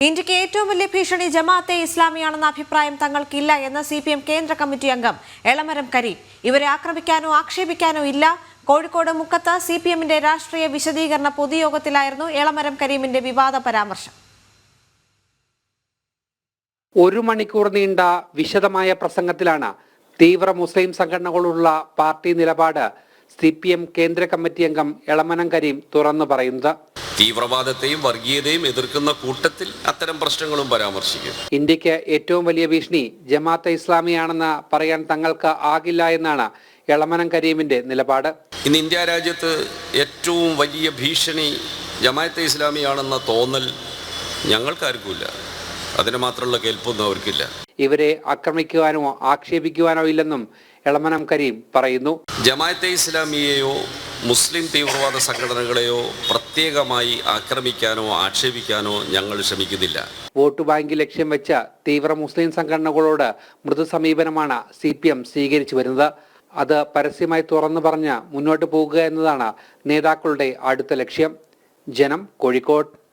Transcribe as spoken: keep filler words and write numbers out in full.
ഇന്ത്യക്ക് ഏറ്റവും വലിയ ഭീഷണി ജമാഅത്തെ ഇസ്ലാമിയാണെന്ന അഭിപ്രായം തങ്ങൾക്കില്ല എന്ന് സി പി എം കേന്ദ്ര കമ്മിറ്റി അംഗം എളമരം കരീം. ഇവരെ ആക്രമിക്കാനോ ആക്ഷേപിക്കാനോ ഇല്ല. കോഴിക്കോട് മുക്കത്ത് സി പി എമ്മിന്റെ രാഷ്ട്രീയ വിശദീകരണ പൊതുയോഗത്തിലായിരുന്നു എളമരം കരീമിന്റെ വിവാദ പരാമർശം. ഒരു മണിക്കൂർ നീണ്ട വിശദമായ പ്രസംഗത്തിലാണ് തീവ്ര മുസ്ലിം സംഘടനകളുള്ള പാർട്ടി നിലപാട് സി പി എം കേന്ദ്ര കമ്മിറ്റി അംഗം എളമരം കരീം തുറന്നു പറയുന്നത്. തീവ്രവാദത്തെയും വർഗീയതയും എതിർക്കുന്ന കൂട്ടത്തിൽ അത്തരം പ്രശ്നങ്ങളും പരാമർശിക്കും. ഇന്ത്യക്ക് ഏറ്റവും വലിയ ഭീഷണി ജമാഅത്തെ ഇസ്ലാമിയാണെന്ന് പറയാൻ തങ്ങൾക്ക് ആകില്ല എന്നാണ് എളമരം കരീമിന്റെ നിലപാട്. ഇന്ന് ഇന്ത്യ രാജ്യത്ത് ഏറ്റവും വലിയ ഭീഷണി ജമാഅത്തെ ഇസ്ലാമിയാണെന്ന തോന്നൽ ഞങ്ങൾക്കാർക്കുമില്ല. അതിന് മാത്രമുള്ള കേൾപ്പൊന്നും അവർക്കില്ല. ഇവരെ ആക്രമിക്കുവാനോ ആക്ഷേപിക്കുവാനോ ഇല്ലെന്നും എളമരം കരീം പറയുന്നു. ജമാഅത്തെ ഇസ്ലാമിയെയോ മുസ്ലിം തീവ്രവാദ സംഘടനകളെയോ പ്രത്യേകമായി ആക്രമിക്കാനോ ആക്ഷേപിക്കാനോ ഞങ്ങൾ ശ്രമിക്കുന്നില്ല. വോട്ട് ബാങ്ക് ലക്ഷ്യം വെച്ച തീവ്ര മുസ്ലിം സംഘടനകളോട് മൃദു സമീപനമാണ് സി പി എം സ്വീകരിച്ചു വരുന്നത്. അത് പരസ്യമായി തുറന്നു പറഞ്ഞ് മുന്നോട്ട് പോകുക എന്നതാണ് നേതാക്കളുടെ അടുത്ത ലക്ഷ്യം. ജനം, കോഴിക്കോട്.